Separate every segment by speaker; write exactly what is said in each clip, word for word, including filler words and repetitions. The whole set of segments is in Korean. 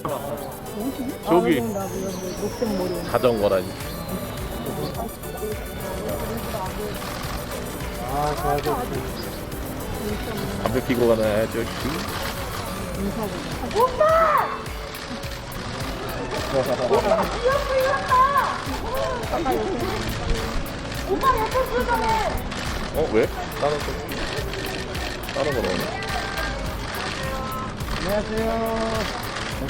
Speaker 1: 저기
Speaker 2: 아, 녹색 머리.
Speaker 1: 자전거라니.
Speaker 3: 아, 저 아저씨.
Speaker 1: 담배 피고 가는 아저씨.
Speaker 2: 오빠 예쁜 표정해.
Speaker 1: 어 왜? 다른 거 다른 거 넣어.
Speaker 3: 안녕하세요.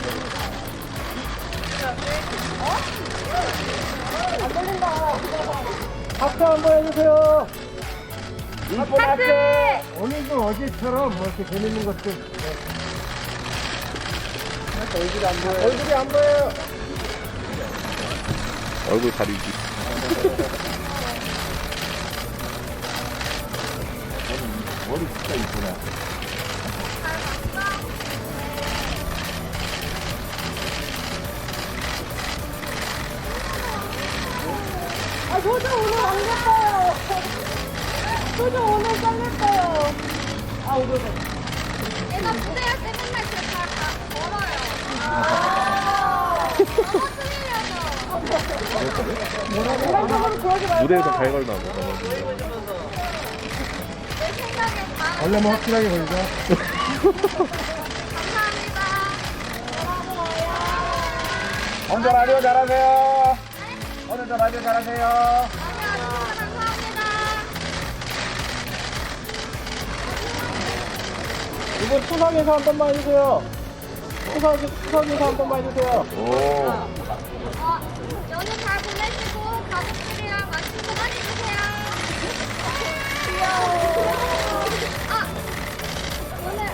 Speaker 2: 안 걸린다.
Speaker 3: 하트 한번 해주세요. 일본
Speaker 2: 하트!
Speaker 3: 오늘도 어제처럼 뭐 이렇게 재밌는 것들. 얼굴이 안 보여요. 얼굴이 안 보여요.
Speaker 1: 얼굴 가리기.
Speaker 3: 머리 진짜 이쁘네.
Speaker 2: 아, 소주 오늘 안 예뻐요. 소주 오늘 짱 예뻐요. 아, 오늘.
Speaker 4: 얘가 무대할 때 맨날 그렇게 다 걸어요. 아,
Speaker 2: 이런적으로 그러지 말고.
Speaker 1: 무대에서 잘 걸나 보다.
Speaker 4: 내 생각에 다
Speaker 3: 원래만 확실하게 걸죠.
Speaker 4: 감사합니다.
Speaker 3: 오늘 라디오 잘하세요. 오늘도 라디오 잘하세요.
Speaker 4: 안녕하세요. 감사합니다.
Speaker 3: 이번 추석에서 한 번만 해주세요. 추석, 추석에서 한 번만 해주세요.
Speaker 1: 오.
Speaker 4: 어, 연휴 잘 보내시고 가족들이랑 맛있는 거 많이 드세요. 귀여워. 아, 오늘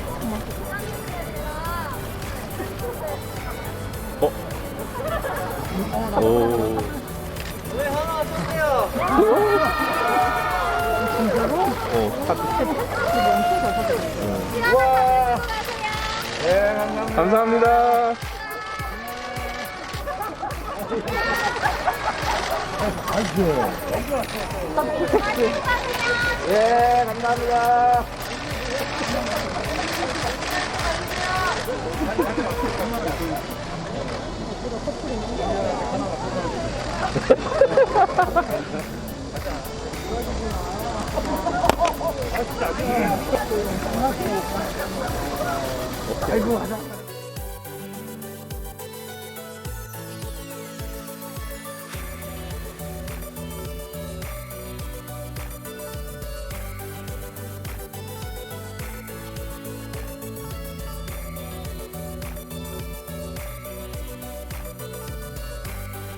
Speaker 1: 어? 오. 어, 카드.
Speaker 3: 우와.
Speaker 4: 수고하세요.
Speaker 3: 네, 감사합니다.
Speaker 1: 감사합니다.
Speaker 3: 아이고. 예, 감사합니다. 아이고, 하자.